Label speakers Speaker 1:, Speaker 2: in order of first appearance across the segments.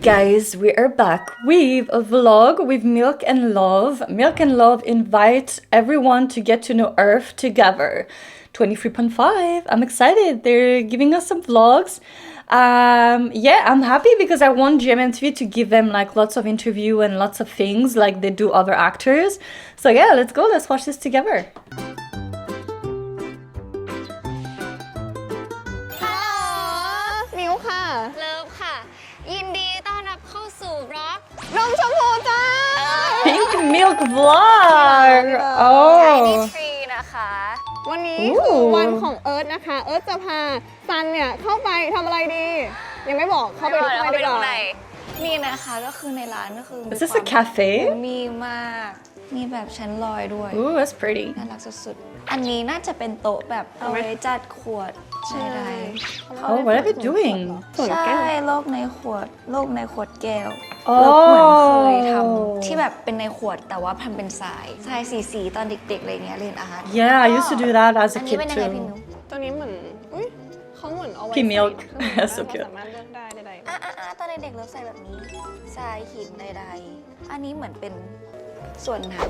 Speaker 1: guys, we are back with a vlog with Milk and Love. Milk and Love invite everyone to get to know Earth together. 23.5. I'm excited. They're giving us some vlogs. Yeah, I'm happy because I want GMMTV to give them like lots of interview and lots of things like they do other actors. So yeah, let's go. Let's watch this together.
Speaker 2: มิวค่ะ
Speaker 3: เลิฟค่ะ ยินดีต้อนรับเข้าสู่บล็อก
Speaker 2: นมชมพูจ้า
Speaker 1: Pink Milk Vlog.
Speaker 3: ไอ
Speaker 1: Oh.
Speaker 3: ดีทรีนะคะ
Speaker 2: วันนี้คือวันของเอิร์ธนะคะ เอิร์ธจะพาซันเนี่ยเข้าไปทำอะไรดี ยังไม่บอกเข้าไปดูดีกว่า
Speaker 3: นี่นะคะก็คือในร้านก็คือ
Speaker 1: Is this a cafe?
Speaker 3: มีมาก มีแบบชั้นลอยด้วย
Speaker 1: Ooh, that's pretty.
Speaker 3: น่ารักสุดๆ อันนี้น่าจะเป็นโต๊ะแบบเอาไว้จัดขวดใช่ได้
Speaker 1: Oh, what are they doing?
Speaker 3: ใช่โลกในขวดแก้วเราเหมือนเคยทำที่แบบเป็นในขวดแต่ว่าทำเป็นทรายสีตอนเด็กๆอะไรเงี้ยเรียนอาร์ต
Speaker 1: Yeah, I used to do that as
Speaker 3: อั
Speaker 1: a
Speaker 3: นนี้
Speaker 1: kid
Speaker 3: เป็นยังไงพี่
Speaker 1: too.
Speaker 3: นุ๊ก
Speaker 2: ตัวนี้เหมือนอุ้ยเขาเหมือนเอาไว้
Speaker 1: พี่มิลค์
Speaker 2: ใส่
Speaker 1: So
Speaker 2: เค
Speaker 1: cute
Speaker 2: รื่องสามารถเลือกได้ใด
Speaker 3: ตอนเด็กๆเราใส่แบบนี้ทรายหินใดๆอันนี้เหมือนเป็นส่วนน้ำ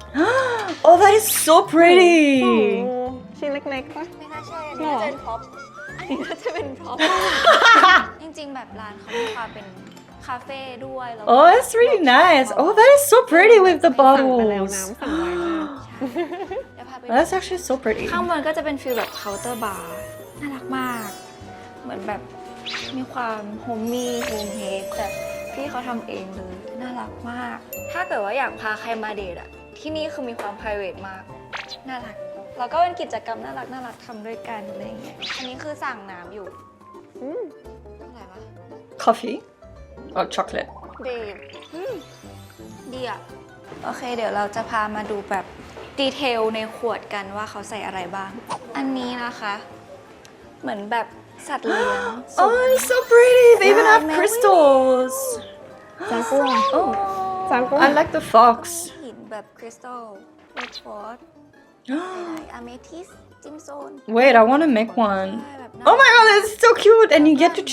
Speaker 1: Oh, that is so
Speaker 2: ๆ
Speaker 1: pretty.
Speaker 2: ชิ้นเล็กๆปะ
Speaker 3: ไม่น่าใช่อันนี้น่าจะเป็นพร็อพอันนี้น่าจะเป็นพร็อพ จริงๆแบบร้านเขามีความเป็นคาเฟ่ด้วยแล้วก็
Speaker 1: Oh, that's really nice. Oh, that is so pretty with the
Speaker 2: สั่งไปแล้ว
Speaker 1: bottles.
Speaker 2: น้ำสั่งไวมาก
Speaker 3: เดี๋ยวพาไป
Speaker 1: That's actually so pretty.
Speaker 3: ข้างบนก็จะเป็นฟีลแบบเคาน์เตอร์บาร์น่ารักมาก เหมือนแบบมีความโฮมมี่โฮมเฮดแบบพี่เขาทำเองเลยน่ารักมาก ถ้าเกิดว่าอยากพาใครมาเดทอะที่นี่คือมีความ private มากน่ารักแล้วก็เป็นกิจกรรมน่ารักทำด้วยกันอะไรอย่างเงี้ยอันนี้คือสั่งน้ำอยู่
Speaker 2: อืม
Speaker 3: อะไรวะ
Speaker 1: Coffee or chocolate?
Speaker 2: ดี
Speaker 3: ดีอะโอเคเดี๋ยวเราจะพามาดูแบบดีเทลในขวดกันว่าเขาใส่อะไรบ้าง อันนี้นะคะ เหมือนแบบสัตว์เลี้ยง
Speaker 1: Oh, it's so pretty. They even have
Speaker 3: Wow,
Speaker 1: crystals.
Speaker 2: จากัว
Speaker 1: Oh,
Speaker 2: จากัว
Speaker 1: I like the fox.
Speaker 3: หินแบบคริสตัลโรสฟอร์ดอะเมทิสจิมโซน
Speaker 1: Wait, I want to make one.
Speaker 3: ใช่แบบ
Speaker 1: Oh my god, that's so cute. And you get to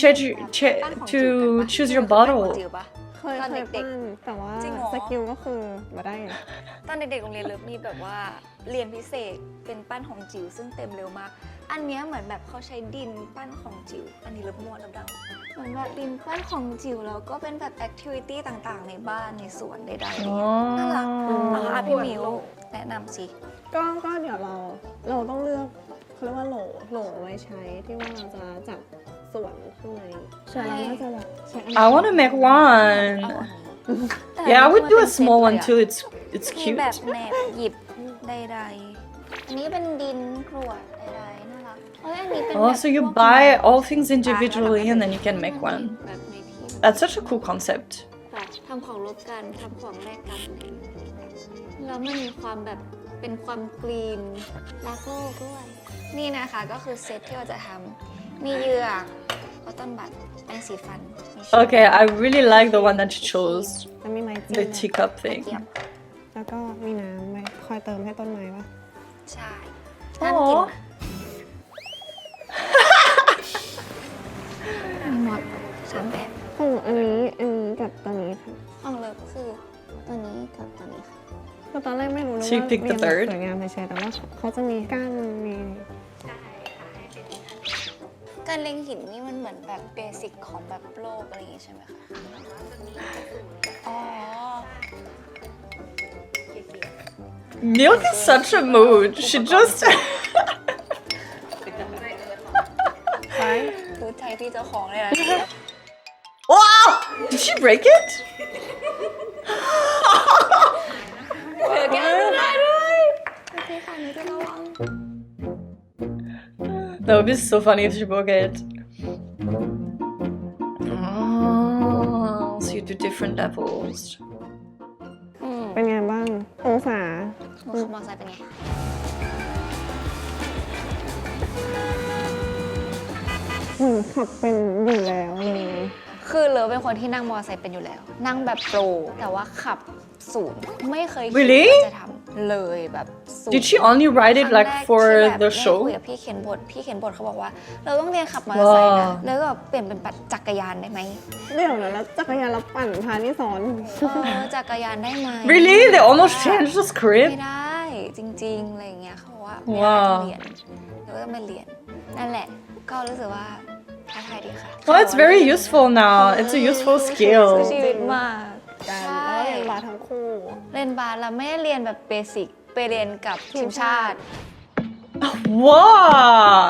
Speaker 1: choose your
Speaker 3: ปั้นของ
Speaker 1: bottle.
Speaker 3: จิ๋วปะ
Speaker 2: เคย
Speaker 3: ตอนเด็กๆ
Speaker 2: ปั้นแต่ว่า
Speaker 3: จริงเหรอ
Speaker 2: สกิลก็คือมาได้
Speaker 3: ตอนเด็กๆโรงเรียนเลิฟมีแบบว่าเรียนพิเศษเป็นปั้นของจิ๋วซึ่งเต็มเร็วมาก อันเนี้ยเหมือนแบบเขาใช้ดินปั้นของจิ๋วอันนี้เลิฟมั่วเลิฟเดาเหมือนแบบดินปั้นของจิ๋วแล้วก็เป็นแบบแอคทิวิตี้ต่างๆ ในบ้านในสวนใดๆอะไรเงี้ยน่ารักนะคะพี่มิวแนะนำสิ
Speaker 2: ก็เดี๋ยวเราต้องเลือกเขาเรียกว่าโหลไว้ใช้ที่ว่าเราจะจับส่วนข้างในส่วนเราน่าจะแบบใช้อัน
Speaker 1: I want to make
Speaker 3: เอา
Speaker 1: one.
Speaker 3: อันนี้
Speaker 1: Yeah, I would do a small one
Speaker 3: แต่
Speaker 1: too. It's
Speaker 3: มี
Speaker 1: cute.
Speaker 3: แบบแหนบหยิบใดๆอันนี้เป็นดินกรวดใดๆน่ารักเอ้ยอันนี้เป็น
Speaker 1: Oh, so you buy all things individually and then you can make one.
Speaker 3: แบบในที่
Speaker 1: That's such a cool concept.
Speaker 3: แบบทำของลบกันทำของแลกกันแล้วมันมีความแบบเป็นความกรีนรักโลกด้วย นี่นะคะก็คือเซตที่เราจะทำมีเหยือกคอตตอนบัดแปรงสีฟันมีช้อน
Speaker 1: Okay, I really like the one that you chose.
Speaker 2: แล้วมีไม้จิ้ม
Speaker 1: The
Speaker 2: นะ
Speaker 1: teacup
Speaker 3: เทีย
Speaker 1: thing.
Speaker 3: บ
Speaker 2: แล้วก็มีน้ำไว้คอยเติมให้ต้นไม้ปะ
Speaker 3: ใช่ห้ามกิน
Speaker 1: Oh.
Speaker 3: นะมีหมดสามแบบ
Speaker 2: ของอันนี้กับตัวนี้ค่ะ
Speaker 3: ของเลิฟคือตัวนี้กับตัวนี้ค่ะ
Speaker 2: คือตอนแรกไม่รู้นะ
Speaker 1: So you
Speaker 2: ว่า
Speaker 1: pick the
Speaker 2: เรียนแบบ
Speaker 1: third?
Speaker 2: สวยงามเฉยๆแต่ว่าเขาจะมีก้านมี
Speaker 3: การเล็งหินนี่มันเหมือนแบบเบสิกของแบบโลกอะไรอย่างงี้ใช่ไหมคะอ๋อ
Speaker 1: Milk is such a mood. She just.
Speaker 2: ไว้
Speaker 3: รู้ใจพี่เจ้าของเลยนะ
Speaker 1: Wow! Did she break it?
Speaker 3: เดี๋ยวแกได้ด้วยโอเคค่ะหนูจะระวัง
Speaker 1: That would be so funny if she broke it. Oh, so you do different levels.
Speaker 2: เป็นไงบ้าง องศา
Speaker 3: หนูขับมอเตอร์ไซค์เป็นไง
Speaker 2: เหมือนขับเป็นอยู่แล้วเลย
Speaker 3: คืคือเลอเป็นคนที่นั่งมอเตอร์ไซค์เป็นอยู่แล้ว นั่งแบบโปรแต่ว่าขับศูนย์ไม่เคยคิด
Speaker 1: Really?
Speaker 3: ว่าจะทำเลยแบบศูนย์
Speaker 1: Did she only ride it
Speaker 3: ครั้ง
Speaker 1: like
Speaker 3: แรก
Speaker 1: for
Speaker 3: ที่แบบ
Speaker 1: the
Speaker 3: ได้
Speaker 1: show?
Speaker 3: คุยกับพี่เขียนบทเขาบอกว่า เราต้องเรียนขับมอเตอร์ไซค์นะ
Speaker 1: ว้าว
Speaker 3: แล้วก็เปลี่ยนเป็นปัดจักรยานได้ไหม
Speaker 2: เดี๋ยวนะแล้วจักรยานเราปั่นพานี่สอน
Speaker 3: จักรยานได้ไหม
Speaker 1: Really? They almost changed the
Speaker 3: ไม่
Speaker 1: script?
Speaker 3: ได้จริงๆอะไรอย่างเงี้ยเขาบอกว่าไม่
Speaker 1: ว้าว
Speaker 3: ได้เรียนแล้วก็ต้องไปเรียนนั่นแหละก็รู้สึกว่าท้าทายดีค่ะ
Speaker 1: Well, it's very useful now. It's a useful
Speaker 3: สู้
Speaker 1: skill.
Speaker 3: ชีวิตมาก
Speaker 2: กัน
Speaker 3: ใช่
Speaker 2: แล้วก็เรียนบาสทั้งคู่
Speaker 3: เรียนบาสเราไม่ได้เรียนแบบเบสิกไปเรียนกับทีมชาติ
Speaker 1: Wow.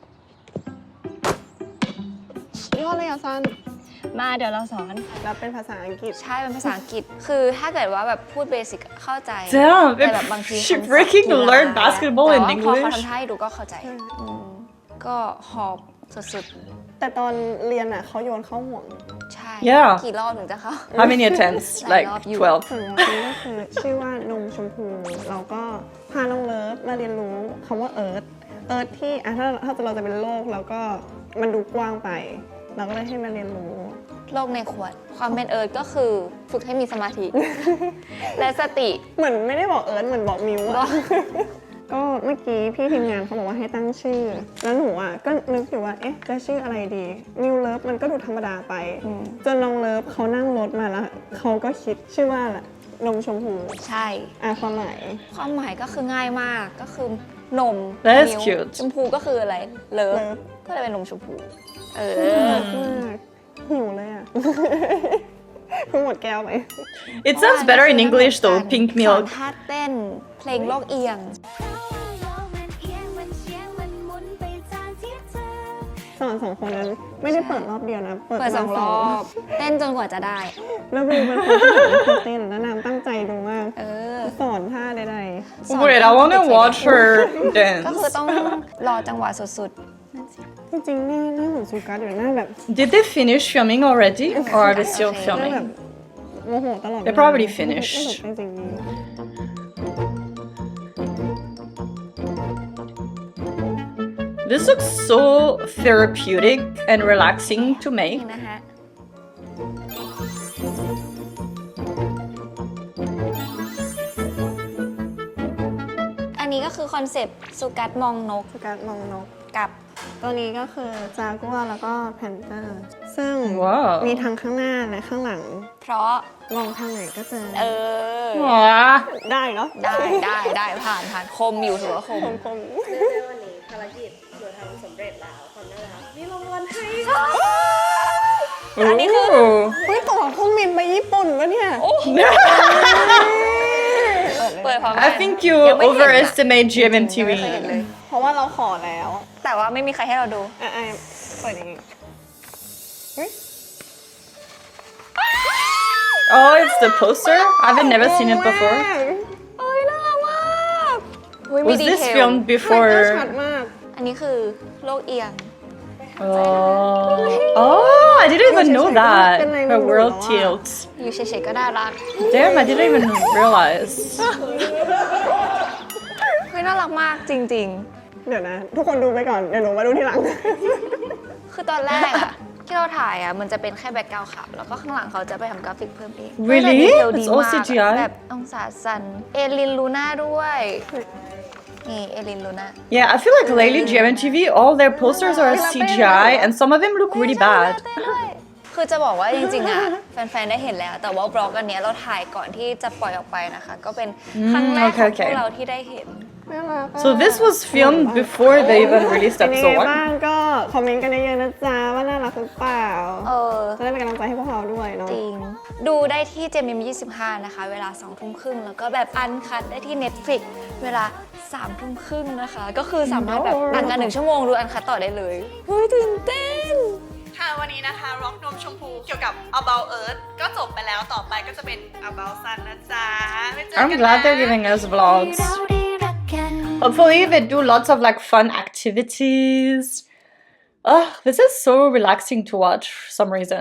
Speaker 2: ย่ห้อเลยอ่ะซัน
Speaker 4: มาเดี๋ยวเราสอน
Speaker 2: แล้วเป็นภาษาอังกฤษ
Speaker 3: ใช่เป็นภาษาอังกฤษ คือถ้าเกิดว่าแบบพูดเบสิกเข้าใจ
Speaker 1: Damn,
Speaker 3: แต่แบบบางที
Speaker 1: she
Speaker 3: คำศัพท์
Speaker 1: freaking
Speaker 3: กีฬา
Speaker 1: learned basketball
Speaker 3: แต่
Speaker 1: in
Speaker 3: ว่าพอเขา
Speaker 1: English.
Speaker 3: ทำให้ดูก็เข้าใจก็หอบสุด
Speaker 2: แต่ตอนเรียนอ่ะเขาโยนเข้าห่วง
Speaker 3: ๆ ใช่
Speaker 1: Yeah.
Speaker 3: กี่รอบถึงจะเข้า
Speaker 1: How many attempts? Like 12.
Speaker 2: ส่วนวันนี้ก็คือชื่อว่านมชมพู เราก็พาน้องเลิฟมาเรียนรู้คำว่าเอิร์ธที่อ่ะถ้าเราจะเป็นโลกแล้วก็มันดูกว้างไป เราก็เลยให้มาเรียนรู้
Speaker 3: โลกในขวด ความเป็นเอิร์ธก็คือฝึกให้มีสมาธิ และสติ
Speaker 2: เหมือนไม่ได้บอกเอิร์ธเหมือนบอกมิวอะก็เมื่อกี้พี่ทีมงานเขาบอกว่าให้ตั้งชื่อ แล้วหนูอ่ะก็นึกอยู่ว่าเอ๊ะจะชื่ออะไรดีนิวเลิฟมันก็ดูธรรมดาไปจนน้องเลิฟเขานั่งรถมาแล้วเขาก็คิดชื่อว่าอะไรนมชมพู
Speaker 3: ใช่
Speaker 2: ความหมาย
Speaker 3: ความหมายก็คือง่ายมากก็คือนม
Speaker 1: That's
Speaker 3: นิ้ว
Speaker 1: cute
Speaker 3: ชมพูก็คืออะไรเลิฟ
Speaker 2: เลิฟ
Speaker 3: ก็เลยเป็นนมชมพูเอ
Speaker 2: น่า
Speaker 3: อ
Speaker 2: รักมากหิวเลยอ่ะ เพิ่งหมดแก้วไป
Speaker 1: It sounds better in English though, pink
Speaker 3: สอน
Speaker 1: milk.
Speaker 3: ท่าเต้นเพลงโลกเอียง
Speaker 2: สอน2 คนนั้นไม่ได้เปิดรอบเดียวนะ
Speaker 3: เปิดสองรอบ เต้นจนกว่าจะได้
Speaker 2: แล้ววิวเป็นคนที่แบบไม่เคยเต้นแล้วนางตั้งใจดูมาก
Speaker 3: เออ
Speaker 2: สอนท่าใด
Speaker 3: สอน
Speaker 1: Wait, I want to watch her
Speaker 3: ก็คือ
Speaker 1: dance.
Speaker 3: ต้องรอจังหวะสุด
Speaker 2: ๆจริงๆหน้าเหมือนซูกัสอยู่หน้าแบบ
Speaker 1: Did they finish filming already? Or are they still
Speaker 3: Okay.
Speaker 2: หน้าแบบ
Speaker 1: filming?
Speaker 2: โมโหตลอด
Speaker 1: They probably finished.
Speaker 2: ไม่หลบในสิ่งนี้
Speaker 1: This looks so therapeutic and relaxing to
Speaker 3: ๆ
Speaker 1: make.
Speaker 3: นี่นะฮะ อันนี้ก็คือคอนเซปต์สุกัดมองนก
Speaker 2: ซูกัสมองนก
Speaker 3: กับ
Speaker 2: ตัวนี้ก็คือจากัวแล้วก็แพนเตอร์ ซึ่ง
Speaker 1: ว้าว
Speaker 2: มีทั้งข้างหน้าและข้างหลัง
Speaker 3: เพราะ
Speaker 2: มองทางไหนก็เจอ
Speaker 3: เออ
Speaker 1: Aww.
Speaker 2: ได้เนาะ
Speaker 3: ได้ผ่านคมอยู่ถือว่าคม
Speaker 2: คม
Speaker 4: วันนี้ภารกิจหนูทำสำเร็จแล้วความน่ารักมีรางวัลให้
Speaker 3: อันนี้คือ
Speaker 1: Ooh.
Speaker 2: เฮ้ยตั๋วเครื่องบินไปญี่ปุ่นปะเนี่ย
Speaker 3: เปิดพร้อมกัน
Speaker 1: I think you
Speaker 3: ยังไม่เห็นอะ
Speaker 1: overestimate
Speaker 3: ยังไม่เคยเห็น
Speaker 1: GMMTV.
Speaker 3: เลย
Speaker 2: เพราะว่าเราขอแล้ว
Speaker 3: แต่ว่าไม่มีใครให้เราดู
Speaker 2: เปิดอย่างงี้
Speaker 1: Oh, it's the poster? I've never seen it before.
Speaker 3: เอ้ยน่ารักมากอุ๊ยมี
Speaker 1: Was
Speaker 3: ดี
Speaker 1: this
Speaker 3: เทล
Speaker 1: filmed
Speaker 2: คาแรคเตอร์
Speaker 1: before?
Speaker 2: ชัดมาก
Speaker 3: อันนี้คือโลกเอียง
Speaker 1: Oh. Oh, I didn't even know that. Her world tilts.
Speaker 3: อยู่เฉยๆก็น่ารัก
Speaker 1: Damn, I didn't even realize.
Speaker 3: เฮ้ยน่ารักมากจริง
Speaker 2: เดี๋ยวนะ ทุกคนดูไปก่อน เดี๋ยวหนูมาดูทีหลัง
Speaker 3: ๆ คือตอนแรกอะ ที่เราถ่ายอะมันจะเป็นแค่แบ็คกราวด์ขาวแล้วก็ข้างหลังเขาจะไปทำกราฟิกเพิ่มเอง
Speaker 1: Really?
Speaker 3: แต่ดีเทลดี
Speaker 1: It's all
Speaker 3: มาก
Speaker 1: CGI?
Speaker 3: แบบองศาสันเอลินลูน่าด้วย นี่เอลินลูน่า
Speaker 1: Yeah, I feel like lately GMMTV, all their posters are CGI, and some of them look really bad.
Speaker 3: คือจะบอกว่าจริงๆอะแฟนๆ ได้เห็นแล้ว แต่ว่าบล็อกอันเนี้ยเราถ่ายก่อนที่จะปล่อยออกไปนะคะ ก็เป็นครั้งแรกของพวกเราที่ได้เห็น
Speaker 2: น่ารักอะ
Speaker 1: So this was filmed before they even released
Speaker 2: เป็นยังไง
Speaker 1: episode
Speaker 2: บ้าง
Speaker 1: 1.
Speaker 2: ก็คอมเมนต์กันเยอะๆนะจ๊ะว่าน่ารักหรือเปล่า
Speaker 3: เออ
Speaker 2: จะได้เป็นกำลังใจให้พวกเราด้วยเนาะ
Speaker 3: จริง ดูได้ที่เจมย25 นะคะ เวลา 2 ทุ่มครึ่ง แล้วก็แบบอันคัดได้ที่ Netflix เวลา 3 ทุ่มครึ่งนะคะ ก็คือสามารถแบบต่างกัน1 ชั่วโมงดูอันคัดต่อได้เลยเฮ้ยตื่นเต้น
Speaker 5: ค่ะวันนี้นะคะร็อกนมชมพูเกี่ยวกับ About Earth ก็จบไปแล้วต่อไปก็จะเป็น About Sun นะจ๊ะไว้เจอกัน
Speaker 1: I'm glad they're giving us vlogs. Hopefully they do lots of like fun activities. Ugh, this is so relaxing to watch for some reason.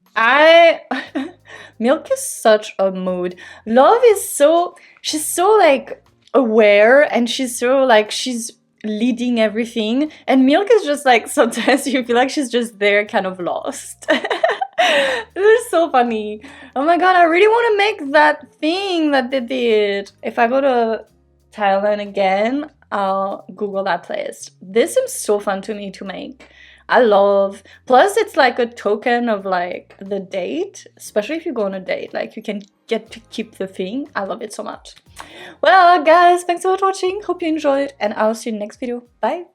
Speaker 1: Milk is such a mood. Love is she's so like aware and she's leading everything. And Milk is just like, sometimes you feel like she's just there kind of lost. This is so funny. Oh my god, I really want to make that thing that they did. If I go to Thailand again, I'll Google that place. This seems so fun to me to make. I love. Plus, it's like a token of like the date, especially if you go on a date. Like you can get to keep the thing. I love it so much. Well, guys, thanks so much for watching. Hope you enjoyed, and I'll see you in the next video. Bye.